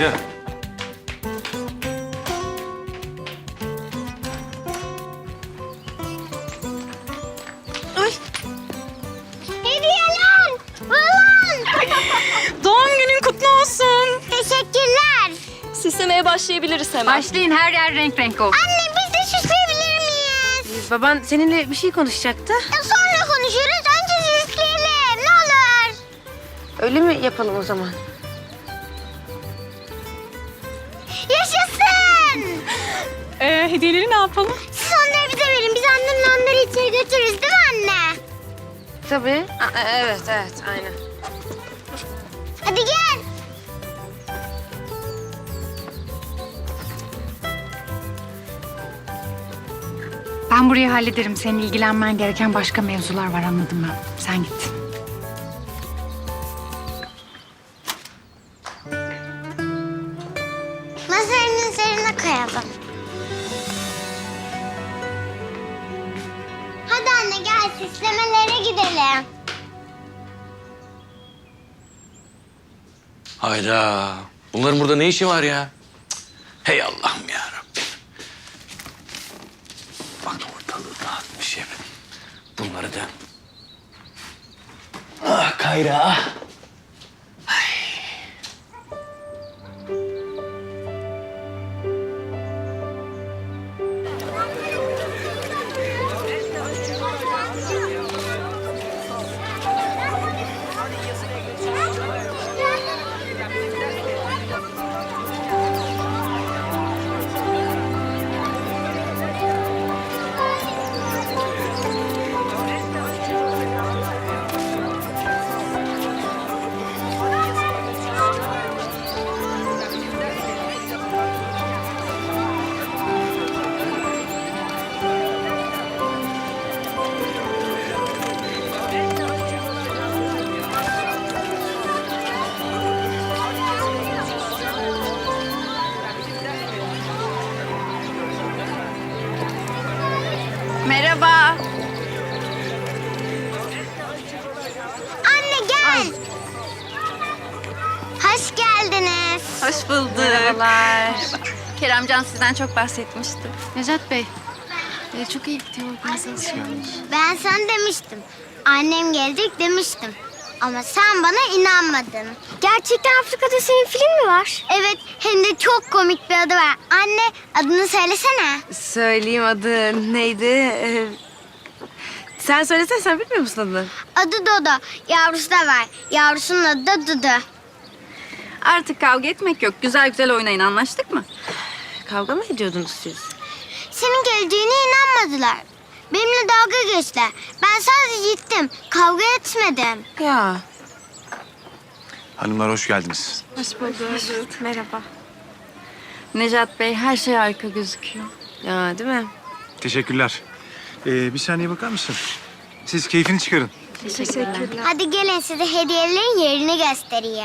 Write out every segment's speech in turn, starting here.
Kayra. Hediyeler! Balon! Doğum günün kutlu olsun. Teşekkürler. Süslemeye başlayabiliriz hemen. Başlayın, her yer renk renk olsun. Anne biz de süsleyebilir miyiz? Baban seninle bir şey konuşacaktı. Sonra konuşuruz. Önce süsleyelim. Ne olur. Öyle mi yapalım o zaman? Yaşasın! Hediyeleri ne yapalım? Siz onları bize verin. Biz annemle onları içeri götürürüz değil mi anne? Tabii. Evet, aynen. Hadi gel. Ben burayı hallederim. Senin ilgilenmen gereken başka mevzular var, anladım ben. Sen git. Masanın üzerine koyalım. Hadi anne gel süslemelere gidelim. Hayda. Bunların burada ne işi var ya? Cık. Hey Allah'ım ya Rabbim. Bak ortalığı dağıtmış hep. Bunları da... Ah Kayra. Merhaba. Anne gel. Hoş geldiniz. Hoş bulduk. Merhabalar. Keremcan sizden çok bahsetmişti. Necat Bey, çok iyi gidiyor organizasyon. Ben sana demiştim. Annem gelecek demiştim. Ama sen bana inanmadın. Gerçekten Afrika'da senin film mi var? Evet, hem de çok komik bir adı var. Anne, adını söylesene. Söyleyeyim, adı neydi? Sen söylesene, sen bilmiyor musun adını? Adı Dodo. Yavrusu da var. Yavrusunun adı da Dudu. Artık kavga etmek yok. Güzel güzel oynayın, anlaştık mı? Kavga mı ediyordunuz siz? Senin geleceğine inanmadılar. Benimle dalga geçtiler. Ben sadece gittim. Kavga etmedim. Ya. Hanımlar hoş geldiniz. Hoş bulduk. Merhaba. Necat Bey, her şey harika gözüküyor. Ya değil mi? Teşekkürler. Bir saniye bakar mısın? Siz keyfini çıkarın. Teşekkürler. Hadi gelin size hediyelerin yerini göstereyim.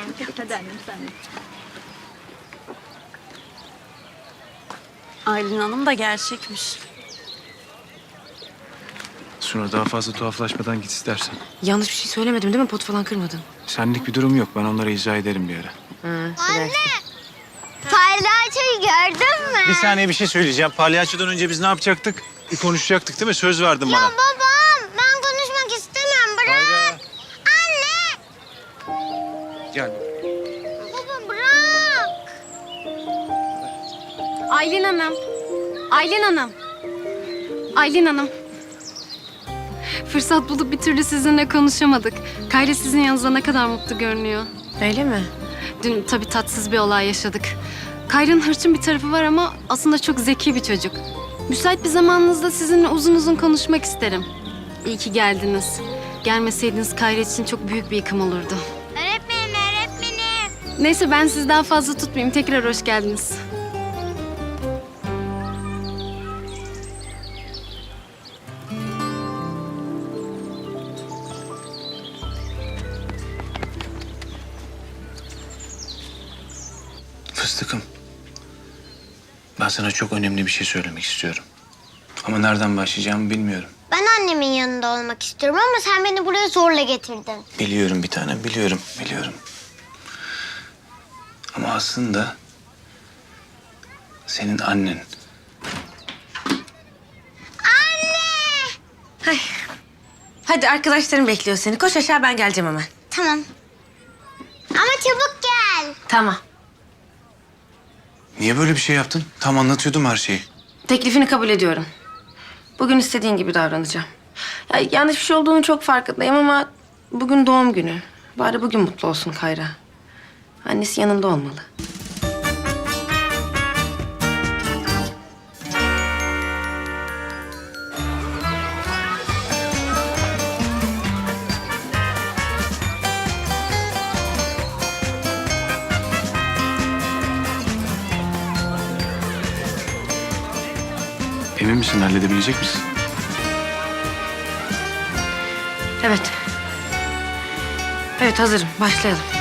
Aylin Hanım da gerçekmiş. Suna daha fazla tuhaflaşmadan git istersen. Yanlış bir şey söylemedim değil mi? Pot falan kırmadın. Senlik bir durum yok. Ben onlara izah ederim bir ara. Anne! Palyaçoyu gördün mü? Bir saniye bir şey söyleyeceğim. Palyaçodan önce biz ne yapacaktık? Bir konuşacaktık değil mi? Söz verdin Ya bana. babam ben konuşmak istemem bırak. Hayda. Anne! Gel. Baba bırak. Aylin Hanım. Aylin Hanım. Aylin Hanım. Fırsat bulup bir türlü sizinle konuşamadık. Kayra sizin yanınızda ne kadar mutlu görünüyor. Öyle mi? Dün tabii tatsız bir olay yaşadık. Kayra'nın hırçın bir tarafı var ama aslında çok zeki bir çocuk. Müsait bir zamanınızda sizinle uzun uzun konuşmak isterim. İyi ki geldiniz. Gelmeseydiniz Kayra için çok büyük bir yıkım olurdu. Öğretmenim. Neyse ben sizi daha fazla tutmayayım. Tekrar hoş geldiniz. Fıstıkım. Ben sana çok önemli bir şey söylemek istiyorum. Ama nereden başlayacağımı bilmiyorum. Ben annemin yanında olmak istiyorum ama sen beni buraya zorla getirdin. Biliyorum bir tanem, biliyorum. Ama aslında Senin annen. Hadi arkadaşlarım bekliyor seni. Koş aşağı, ben geleceğim hemen. Tamam. Ama çabuk gel. Tamam. Niye böyle bir şey yaptın? Tam anlatıyordum her şeyi. Teklifini kabul ediyorum. Bugün istediğin gibi davranacağım. Ya, yanlış bir şey olduğunu çok farkındayım ama bugün doğum günü. Bari bugün mutlu olsun Kayra. Annesi yanında olmalı. Emin misin, halledebilecek misin? Evet. Evet, hazırım. Başlayalım.